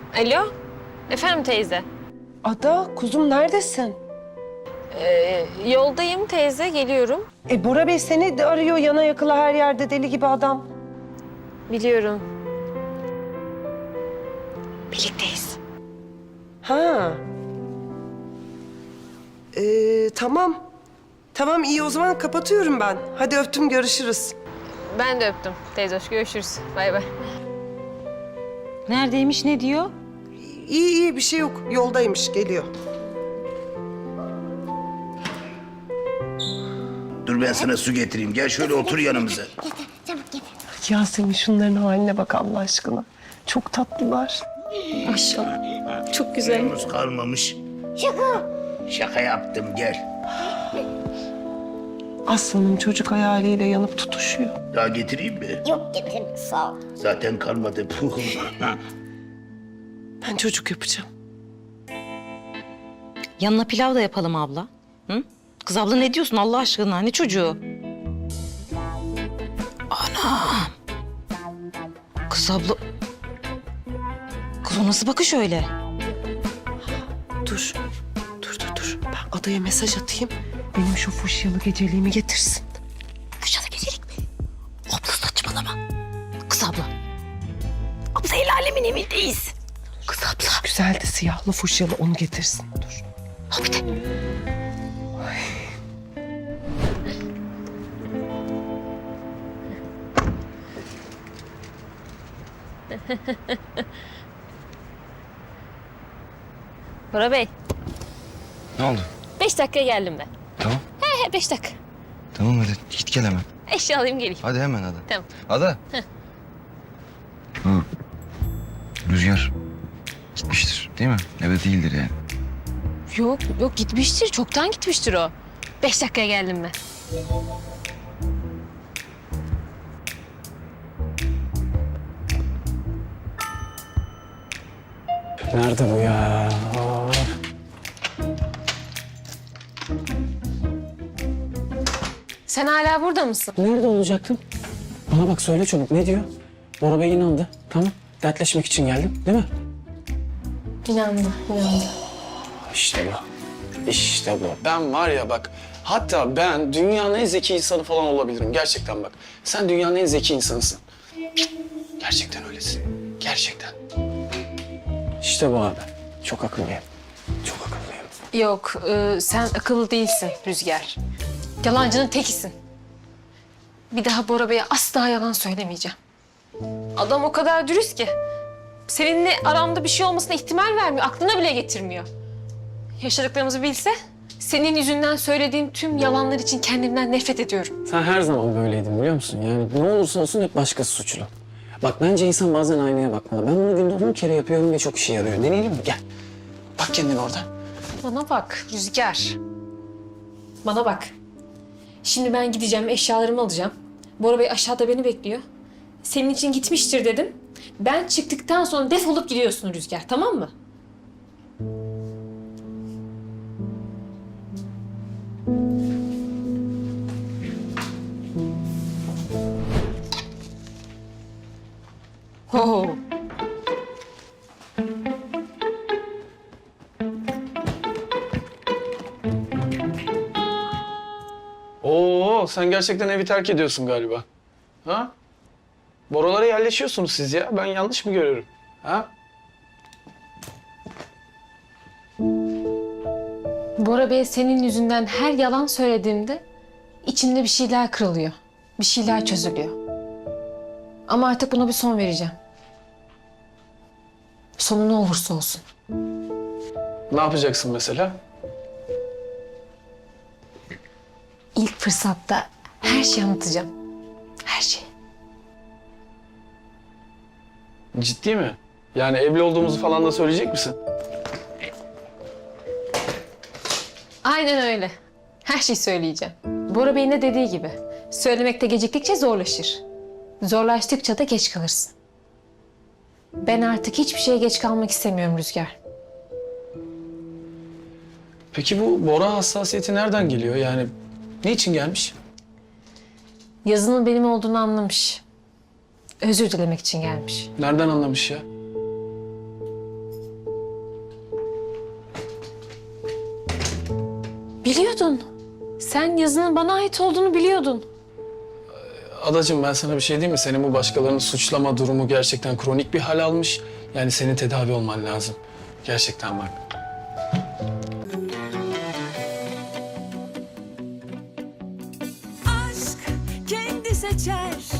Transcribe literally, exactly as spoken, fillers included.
Alo, efendim teyze. Ada, kuzum neredesin? Ee, yoldayım teyze, geliyorum. E Bora Bey seni de arıyor yana yakıla her yerde deli gibi adam. Biliyorum. Birlikteyiz. Ha. Ee, tamam. Tamam iyi o zaman kapatıyorum ben. Hadi öptüm görüşürüz. Ben de öptüm teyze, hoş görüşürüz. Bay bay. Neredeymiş, ne diyor? İyi iyi bir şey yok. Yoldaymış geliyor. Dur ben sana su getireyim. Gel şöyle otur yanımıza. Yasemin şunların haline bak Allah aşkına. Çok tatlılar. Maşallah. Çok güzel. Yalnız kalmamış. Şaka. Şaka yaptım gel. Aslanım çocuk hayaliyle yanıp tutuşuyor. Daha getireyim mi? Yok getir sağ ol. Zaten kalmadı. Ben çocuk yapacağım. Yanına pilav da yapalım abla. Hı? Kız abla ne diyorsun Allah aşkına? Ne çocuğu? Ana! Kız abla... Kız o nasıl bakış öyle? Dur. Dur dur dur. Ben adaya mesaj atayım. Benim şu fuşyalı geceliğimi getirsin. Fuşyalı gecelik mi? Abla saçmalama. Kız abla. Abla el alemin evindeyiz. Kız abla. Güzel de siyahlı fuşyalı onu getirsin. Dur. Hadi. Bora Bey, Ne oldu? beş dakikaya geldim ben. Tamam. He he, beş dakika. Tamam hadi git gel hemen. Eşya alayım geleyim. Hadi hemen Ada. Tamam. Ada. Hı. Rüzgar gitmiştir değil mi? Eve değildir yani. Yok, yok gitmiştir. Çoktan gitmiştir o. Beş dakikaya geldim ben. Nerede bu ya? Aa. Sen hala burada mısın? Nerede olacaktım? Bana bak söyle çabuk ne diyor? Bora Bey inandı. Tamam. Dertleşmek için geldim değil mi? İnandı, inandı. İşte bu. İşte bu. Ben var ya bak. Hatta ben dünyanın en zeki insanı falan olabilirim. Gerçekten bak. Sen dünyanın en zeki insanısın. Gerçekten öylesin. Gerçekten. İşte bu abi. Çok akıllıyım. Çok akıllıyım. Yok, e, sen akıllı değilsin Rüzgar. Yalancının tekisin. Bir daha Bora Bey'e asla yalan söylemeyeceğim. Adam o kadar dürüst ki. Seninle aramda bir şey olmasına ihtimal vermiyor, aklına bile getirmiyor. Yaşadıklarımızı bilse, senin yüzünden söylediğim tüm yalanlar için kendimden nefret ediyorum. Sen her zaman böyleydin biliyor musun? Yani ne olursa olsun hep başkası suçlu. Bak bence insan bazen aynaya bakmalı. Ben bunu günde on kere yapıyorum ve çok işe yarıyor. Deneyelim mi? Gel. Bak kendine orada. Bana bak Rüzgar. Bana bak. Şimdi ben gideceğim, eşyalarımı alacağım. Bora Bey aşağıda beni bekliyor. Senin için gitmiştir dedim. Ben çıktıktan sonra defolup gidiyorsun Rüzgar, tamam mı? Ho. Oo, sen gerçekten evi terk ediyorsun galiba. Ha? Boralara yerleşiyorsunuz siz ya. Ben yanlış mı görüyorum? Ha? Bora Bey senin yüzünden her yalan söylediğimde içimde bir şeyler kırılıyor. Bir şeyler çözülüyor. Ama artık buna bir son vereceğim. Sonu ne olursa olsun. Ne yapacaksın mesela? İlk fırsatta her şeyi anlatacağım. Her şeyi. Ciddi mi? Yani evli olduğumuzu falan da söyleyecek misin? Aynen öyle. Her şeyi söyleyeceğim. Bora Bey'in de dediği gibi. Söylemekte geciktikçe zorlaşır. Zorlaştıkça da geç kalırsın. Ben artık hiçbir şeye geç kalmak istemiyorum Rüzgar. Peki bu Bora hassasiyeti nereden geliyor? Yani niçin gelmiş? Yazının benim olduğunu anlamış. Özür dilemek için gelmiş. Nereden anlamış ya? Biliyordun. Sen yazının bana ait olduğunu biliyordun. Adacığım ben sana bir şey diyeyim mi? Senin bu başkalarını suçlama durumu gerçekten kronik bir hal almış. Yani senin tedavi olman lazım. Gerçekten bak. aşk kendi seçer